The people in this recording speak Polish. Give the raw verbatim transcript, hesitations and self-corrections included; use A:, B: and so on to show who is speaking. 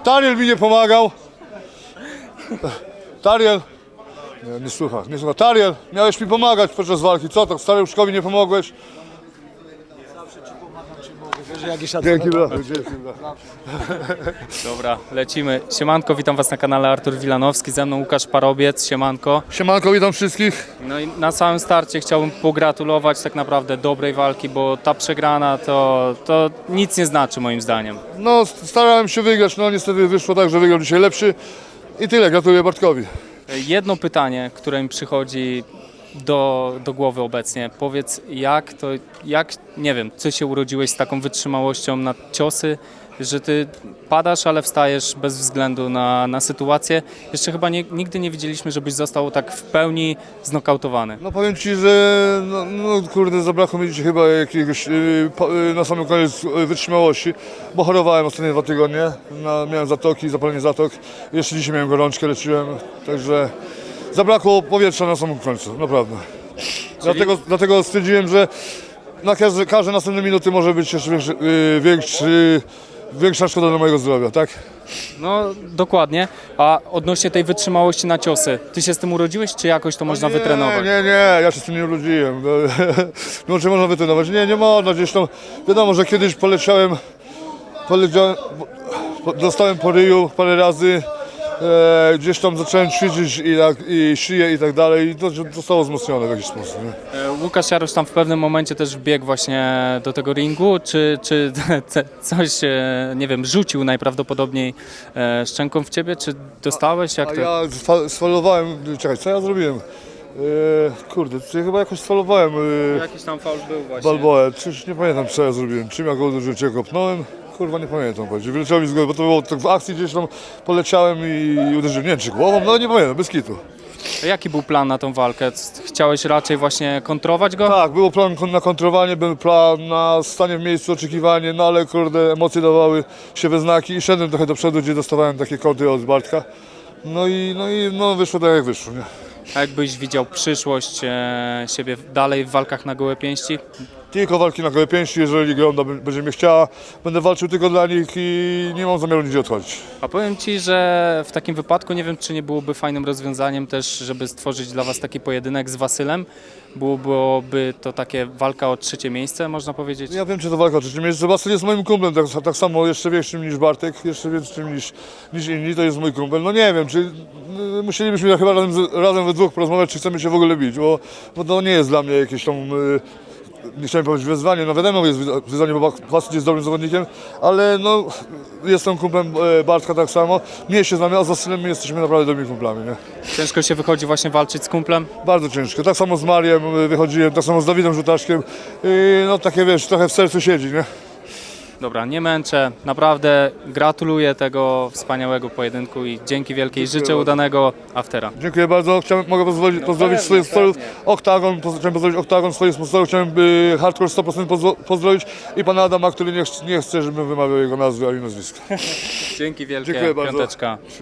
A: Tariel mi nie pomagał. Tariel. Nie, nie słucha, nie słucha. Tariel, miałeś mi pomagać podczas walki. Co tak, staruszkowi nie pomogłeś? Dzięki, brachu, dzięki, brachu.
B: Dobra, lecimy. Siemanko, witam was na kanale Artur Wilanowski, ze mną Łukasz Parobiec, siemanko.
A: Siemanko, witam wszystkich.
B: No i na samym starcie chciałbym pogratulować tak naprawdę dobrej walki, bo ta przegrana to, to nic nie znaczy moim zdaniem.
A: No, starałem się wygrać, no niestety wyszło tak, że wygrał dzisiaj lepszy. I tyle, gratuluję Bartkowi.
B: Jedno pytanie, które mi przychodzi do, do głowy obecnie. Powiedz, jak to, jak, nie wiem, ty się urodziłeś z taką wytrzymałością na ciosy, że ty padasz, ale wstajesz bez względu na, na sytuację. Jeszcze chyba nie, nigdy nie widzieliśmy, żebyś został tak w pełni znokautowany.
A: No powiem Ci, że no, no kurde, zabrakło mi dzisiaj chyba jakiegoś yy, po, yy, na samym koniec yy, wytrzymałości, bo chorowałem ostatnie dwa tygodnie, na, miałem zatoki, zapalenie zatok, jeszcze dzisiaj miałem gorączkę, leczyłem, także zabrakło powietrza na samym końcu, naprawdę. Dlatego, dlatego stwierdziłem, że na każde, każde następne minuty może być jeszcze większy, yy, większy, większa szkoda dla mojego zdrowia, tak?
B: No dokładnie, a odnośnie tej wytrzymałości na ciosy, ty się z tym urodziłeś, czy jakoś to można
A: nie,
B: wytrenować?
A: Nie, nie, ja się z tym nie urodziłem. No, no czy można wytrenować? Nie, nie można. Gdzieś tam, wiadomo, że kiedyś poleciałem, poleciałem po, dostałem po ryju parę razy, e, gdzieś tam zacząłem ćwiczyć i, tak, i szyję i tak dalej i to zostało wzmocnione w jakiś sposób. Nie?
B: E, Łukasz Jarosz tam w pewnym momencie też wbiegł właśnie do tego ringu, czy, czy coś, e, nie wiem, rzucił najprawdopodobniej e, szczęką w ciebie, czy dostałeś? Jak
A: A
B: to?
A: ja sfa- sfalowałem, czekaj, co ja zrobiłem? E, kurde, czy chyba jakoś sfalowałem e,
B: Jakiś tam faul był właśnie.
A: Balboę, czyż nie pamiętam co ja zrobiłem, czym ja go uderzyłem, czy ja kopnąłem? Kurwa nie pamiętam, powiedzieć. Wyleciało mi z głowy, bo to było tak w akcji gdzieś tam poleciałem i uderzyłem, nie wiem czy głową, no nie pamiętam, bez kitu.
B: A jaki był plan na tą walkę? Chciałeś raczej właśnie kontrować go?
A: Tak, było plan kon- na kontrowanie, był plan na stanie w miejscu, oczekiwanie, no ale kurde, emocje dawały się we znaki i szedłem trochę do przodu, gdzie dostawałem takie kąty od Bartka. No i, no i no wyszło tak jak wyszło, nie?
B: A jakbyś widział przyszłość e, siebie dalej w walkach na gołe pięści?
A: Tylko walki na gołe pięści, jeżeli Gronda b- będzie mnie chciała, będę walczył tylko dla nich i nie mam zamiaru nigdzie odchodzić.
B: A powiem Ci, że w takim wypadku nie wiem, czy nie byłoby fajnym rozwiązaniem też, żeby stworzyć dla Was taki pojedynek z Wasylem. Byłoby to takie walka o trzecie miejsce, można powiedzieć.
A: Ja wiem, czy to walka o trzecie miejsce. Basyl jest moim kumplem, tak, tak samo jeszcze większym niż Bartek, jeszcze większym niż, niż inni, to jest mój kumpel. No nie wiem, czy y, musielibyśmy chyba razem, z- razem we dwóch porozmawiać, czy chcemy się w ogóle bić, bo, bo to nie jest dla mnie jakieś tam, y, nie chciałem powiedzieć wyzwanie, no wiadomo jest wyza- wyzwanie, bo Basyl jest dobrym zawodnikiem, ale no jestem kumplem e, Bartka tak samo, mnie się znamy, a z Basylem my jesteśmy naprawdę dobrymi kumplami, nie?
B: Ciężko się wychodzi właśnie walczyć z kumplem.
A: Bardzo ciężko, tak samo z Mariem y, wychodziłem, tak samo z Dawidem Żutaszkiem i no takie wiesz, trochę w sercu siedzi, nie?
B: Dobra, nie męczę. Naprawdę gratuluję tego wspaniałego pojedynku i dzięki wielkiej życzę
A: bardzo.
B: udanego aftera.
A: Dziękuję bardzo. Chciałem, mogę pozwolić, pozdrowić
B: pewnie,
A: swoich sponsorów.
B: pewnie.
A: Oktagon, poz- chciałem pozdrowić Oktagon, swoich sponsorów. Chciałem by Hardcore sto procent pozwo- pozdrowić i pana Adama, który nie, ch- nie chce, żebym wymawiał jego nazwy ani nazwiska.
B: Dzięki wielkie,
A: Dziękuję bardzo.
B: piąteczka.